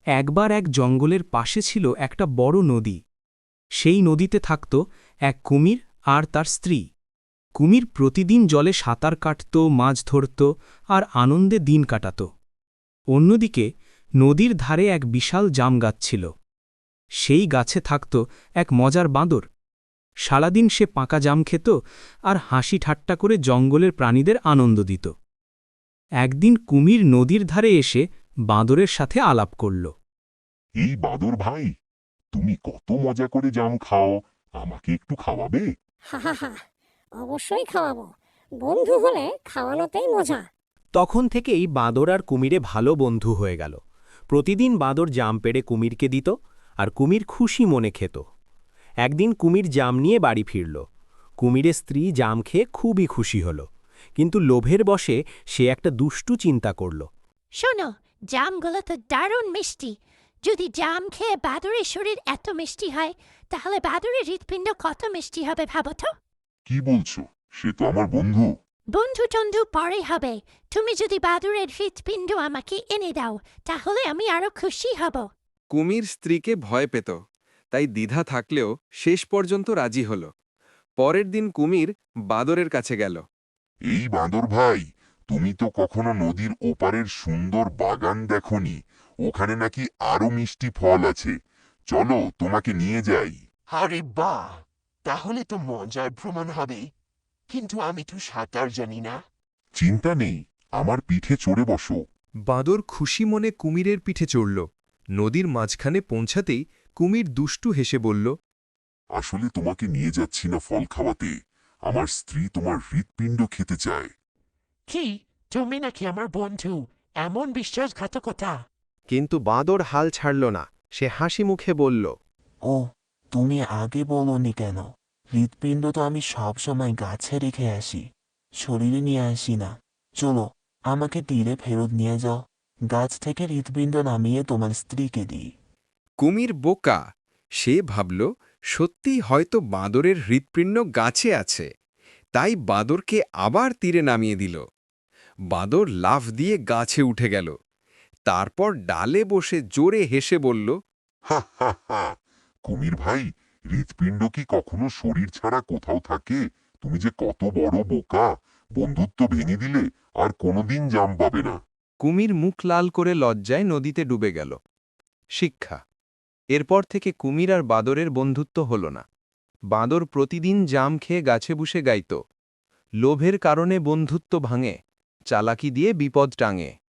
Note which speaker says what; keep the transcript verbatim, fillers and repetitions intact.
Speaker 1: একবার এক জঙ্গলের পাশে ছিল একটা বড় নদী। সেই নদীতে থাকত এক কুমির আর তার স্ত্রী। কুমির প্রতিদিন জলে সাঁতার কাটত, মাছ ধরত আর আনন্দে দিন কাটাত। অন্যদিকে নদীর ধারে এক বিশাল জাম গাছ ছিল। সেই গাছে থাকত এক মজার বাঁদর। সারাদিন সে পাকা জাম খেত আর হাসি ঠাট্টা করে জঙ্গলের প্রাণীদের আনন্দ দিত। একদিন কুমির নদীর ধারে এসে বাঁদরের সাথে আলাপ করল।
Speaker 2: এই বাদর ভাই, তুমি কত মজা করে জাম খাও, আমাকে একটু খাওয়াবে?
Speaker 3: হা হা হা, অবশ্যই খাওয়াবো। বন্ধু হলে খাওয়ানোতেই মজা।
Speaker 4: তখন থেকেই বাঁদর আর কুমিরে ভালো বন্ধু হয়ে গেল। প্রতিদিন বাঁদর জাম পেড়ে কুমিরকে দিত, আর কুমির খুশি মনে খেত। একদিন কুমির জাম নিয়ে বাড়ি ফিরল। কুমিরের স্ত্রী জাম খেয়ে খুবই খুশি হল, কিন্তু লোভের বশে সে একটা দুষ্টু চিন্তা করল।
Speaker 5: শোনো, জামগুলো তো দারুণ মিষ্টি। যদি জাম খেয়ে বাদুড়ের শরীর এত মিষ্টি হয়, তাহলে বাদুড়ের হৃৎপিণ্ড কত মিষ্টি হবে ভাবো তো।
Speaker 2: কি বলছো? সে তো আমার বন্ধু।
Speaker 5: বন্ধু টন্ধু পরে হবে। তুমি যদি বাদুড়ের হৃৎপিণ্ড আমাকে এনে দাও, তাহলে আমি আরো খুশি হব।
Speaker 6: কুমির স্ত্রীকে ভয় পেত, তাই দ্বিধা থাকলেও শেষ পর্যন্ত রাজি হল। পরের দিন কুমির বাদরের কাছে গেল।
Speaker 2: এই বাঁদর ভাই, তুমি তো কখনো নদীর ওপারের সুন্দর বাগান দেখনি। ওখানে নাকি আরো মিষ্টি ফল আছে, চলো তোমাকে নিয়ে যাই।
Speaker 7: আরে বাহ, তাহলে তো মজার ভ্রমণ হবে, কিন্তু আমি তো সাঁতার জানি না।
Speaker 2: চিন্তা নেই, আমার পিঠে চড়ে বসো।
Speaker 8: বাঁদর খুশি মনে কুমিরের পিঠে চড়ল। নদীর মাঝখানে পৌঁছাতেই কুমির দুষ্টু হেসে বলল,
Speaker 2: আসলে তোমাকে নিয়ে যাচ্ছি না ফল খাওয়াতে, আমার স্ত্রী তোমার হৃৎপিণ্ড খেতে চায়।
Speaker 7: কি, তুমি নাকি আমার বন্ধু? এমন বিশ্বাসঘাতকতা!
Speaker 4: কিন্তু বাঁদর হাল ছাড়ল না। সে হাসি মুখে বলল,
Speaker 7: ও, তুমি আগে বলোনি কেন? হৃৎপিণ্ড তো আমি সবসময় গাছে রেখে আসি, শরীরে নিয়ে আসি না। চলো, আমাকে তীরে ফেরত নিয়ে যাও, গাছ থেকে হৃৎপিণ্ড নামিয়ে তোমার স্ত্রীকে দিই।
Speaker 6: কুমির বোকা, সে ভাবল সত্যিই হয়তো বাঁদরের হৃৎপিণ্ড গাছে আছে, তাই বাঁদরকে আবার তীরে নামিয়ে দিল। বাঁদর লাফ দিয়ে গাছে উঠে গেল। তারপর ডালে বসে জোরে হেসে বলল,
Speaker 2: হা হা হা, কুমির ভাই, হৃৎপিণ্ড কি কখনো শরীর ছাড়া কোথাও থাকে? তুমি যে কত বড় বোকা, বন্ধুত্ব ভেঙে দিলে আর কোনোদিন জাম পাবে না।
Speaker 8: কুমির মুখ লাল করে লজ্জায় নদীতে ডুবে গেল। শিক্ষা: এরপর থেকে কুমির আর বাঁদরের বন্ধুত্ব হল না। বাঁদর প্রতিদিন জাম খেয়ে গাছে বসে গাইত, লোভের কারণে বন্ধুত্ব ভাঙে, চালাকি দিয়ে বিপদ টাঙে।